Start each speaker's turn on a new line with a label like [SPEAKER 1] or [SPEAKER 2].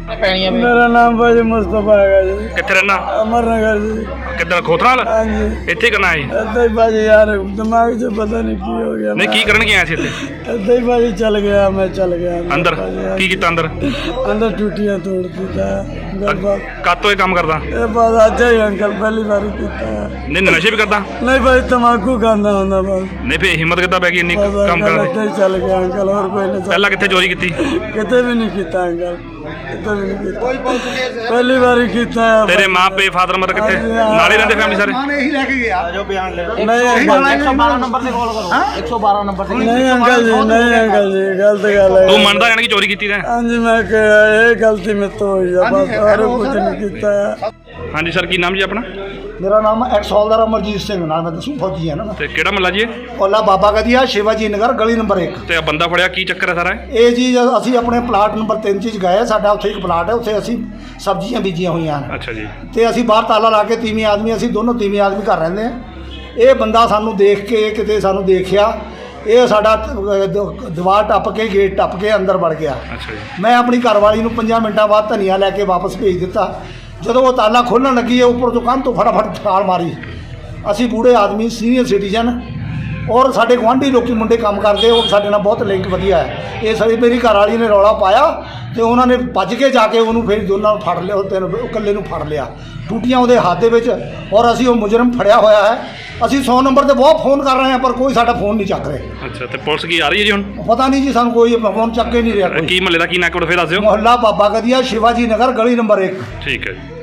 [SPEAKER 1] मेरा नाम भाजी मुस्तफा है जी।
[SPEAKER 2] कितने रहना?
[SPEAKER 1] अमरनगर जी।
[SPEAKER 2] किधर खोथराल?
[SPEAKER 1] हाँ जी।
[SPEAKER 2] इतने करना है?
[SPEAKER 1] ऐसे ही भाजी यार दिमाग से पता नहीं की हो गया।
[SPEAKER 2] नहीं की करन के आए थे इत्थे?
[SPEAKER 1] ऐसे ही भाजी चल गया, मैं चल गया
[SPEAKER 2] अंदर की कीता अंदर?
[SPEAKER 1] अंदर टूटियां तोड़ दिता
[SPEAKER 2] कद तो ये काम करदा?
[SPEAKER 1] ये बात आज ही अंकल पहली बार कीता है।
[SPEAKER 2] नहीं नशे भी करदा?
[SPEAKER 1] नहीं भाई तम्बाकू खांदा हुंदा बस।
[SPEAKER 2] नहीं फिर हिम्मत कितना पै गई इन्नी काम कर?
[SPEAKER 1] ऐसे ही चल गया अंकल और कोई नहीं।
[SPEAKER 2] पहला कितने चोरी की?
[SPEAKER 1] किते भी नहीं कीता अंकल, किते भी नहीं कीता, पहली बार ही कीता है।
[SPEAKER 2] तेरे माँ पे फादर मदर कितने नाले रहंदे फैमिली सारे?
[SPEAKER 1] नहीं अंकल जी, नहीं अंकल जी गलत गल है।
[SPEAKER 2] तू मनदा यानी कि चोरी की है?
[SPEAKER 1] हाँ जी मैं ये गलती में तो हुई है बस, और कुछ नहीं कीता है।
[SPEAKER 2] हाँ जी सर की नाम जी अपना?
[SPEAKER 3] मेरा नाम एक्स हौलदार अमरजीत सिंह नाम है, दसू फौजी है ना।
[SPEAKER 2] ते केड़ा महला जी?
[SPEAKER 3] ओला बाबा गदिया शिवाजी नगर गली नंबर 1।
[SPEAKER 2] ਤੇ ਬੰਦਾ ਫੜਿਆ ਕੀ ਚੱਕਰ ਹੈ ਸਾਰਾ?
[SPEAKER 3] ਇਹ ਜੀ ਅਸੀਂ ਆਪਣੇ ਪਲਾਟ ਨੰਬਰ 3 'ਚ ਗਏ, ਸਾਡਾ ਉੱਥੇ ਇੱਕ ਪਲਾਟ ਹੈ, ਉੱਥੇ ਅਸੀਂ ਸਬਜ਼ੀਆਂ ਬੀਜੀਆਂ ਹੋਈਆਂ ਹਨ।
[SPEAKER 2] ਅੱਛਾ ਜੀ।
[SPEAKER 3] ਤੇ ਅਸੀਂ ਬਾਹਰ ਤਾਲਾ ਲਾ ਕੇ ਤੀਵੀਂ ਆਦਮੀ, ਅਸੀਂ ਦੋਨੋਂ ਤੀਵੀਂ ਆਦਮੀ ਘਰ ਰਹਿੰਦੇ ਹਾਂ। ਇਹ ਬੰਦਾ ਸਾਨੂੰ ਦੇਖ ਕੇ ਕਿਤੇ ਸਾਨੂੰ ਦੇਖਿਆ, ਇਹ ਸਾਡਾ ਦੀਵਾਰ ਟੱਪ ਕੇ ਗੇਟ ਟੱਪ ਕੇ ਅੰਦਰ ਵੜ ਗਿਆ।
[SPEAKER 2] ਅੱਛਾ ਜੀ।
[SPEAKER 3] ਮੈਂ ਆਪਣੀ ਘਰਵਾਲੀ ਨੂੰ 5 ਮਿੰਟਾਂ ਬਾਅਦ ਧਨੀਆ ਲੈ ਕੇ ਵਾਪਸ ਭੇਜ ਦਿੱਤਾ। ਜਦੋਂ ਉਹ ਤਾਲਾ ਖੋਲ੍ਹਣ ਲੱਗੀ ਹੈ ਉੱਪਰ ਤੋਂ ਕੰਧ ਤੋਂ ਫਟਾਫਟ ਛਾਲ ਮਾਰੀ। ਅਸੀਂ ਬੂढ़े ਆਦਮੀ ਸੀਨੀਅਰ ਸਿਟੀਜ਼ਨ ਔਰ ਸਾਡੇ ਗੁਆਂਢੀ ਲੋਕੀ ਮੁੰਡੇ ਕੰਮ ਕਰਦੇ, ਉਹ ਸਾਡੇ ਨਾਲ ਬਹੁਤ ਲਿੰਕ ਵਧੀਆ ਹੈ। ਇਹ ਸਾਡੀ ਮੇਰੀ ਘਰਵਾਲੀ ਨੇ ਰੌਲਾ ਪਾਇਆ ਤੇ ਉਹਨਾਂ ਨੇ ਭੱਜ ਕੇ ਜਾ ਕੇ ਉਹਨੂੰ ਫਿਰ ਦੋਨਾਂ ਨੂੰ ਫੜ ਲਿਆ, ਉਹ ਇਕੱਲੇ ਨੂੰ ਫੜ ਲਿਆ, ਟੂਟੀਆਂ ਉਹਦੇ ਹੱਥ ਦੇ ਵਿੱਚ। ਔਰ ਅਸੀਂ ਉਹ ਮੁਜਰਮ ਫੜਿਆ ਹੋਇਆ ਹੈ। ਅਸੀਂ 100 ਨੰਬਰ ਤੇ ਬਹੁਤ ਫੋਨ ਕਰ ਰਹੇ ਹਾਂ ਪਰ ਕੋਈ ਸਾਡਾ ਫੋਨ ਨਹੀਂ ਚੱਕ ਰਹੇ।
[SPEAKER 2] ਅੱਛਾ ਤੇ ਪੁਲਿਸ ਕੀ ਆ ਰਹੀ ਹੈ ਜੀ ਹੁਣ?
[SPEAKER 3] ਪਤਾ ਨਹੀਂ ਜੀ, ਸਾਨੂੰ ਕੋਈ ਫੋਨ ਚੱਕ ਕੇ ਨਹੀਂ ਰਿਹਾ ਕੋਈ।
[SPEAKER 2] ਕੀ ਮਹੱਲੇ ਦਾ ਕੀ ਨਾਂ ਕੋਲ ਫਿਰ ਦੱਸ ਦਿਓ।
[SPEAKER 3] ਮੁਹੱਲਾ ਬਾਬਾ ਗਦੀਆ ਸ਼ਿਵਾਜੀ ਨਗਰ ਗਲੀ ਨੰਬਰ 1।
[SPEAKER 2] ਠੀਕ ਹੈ ਜੀ।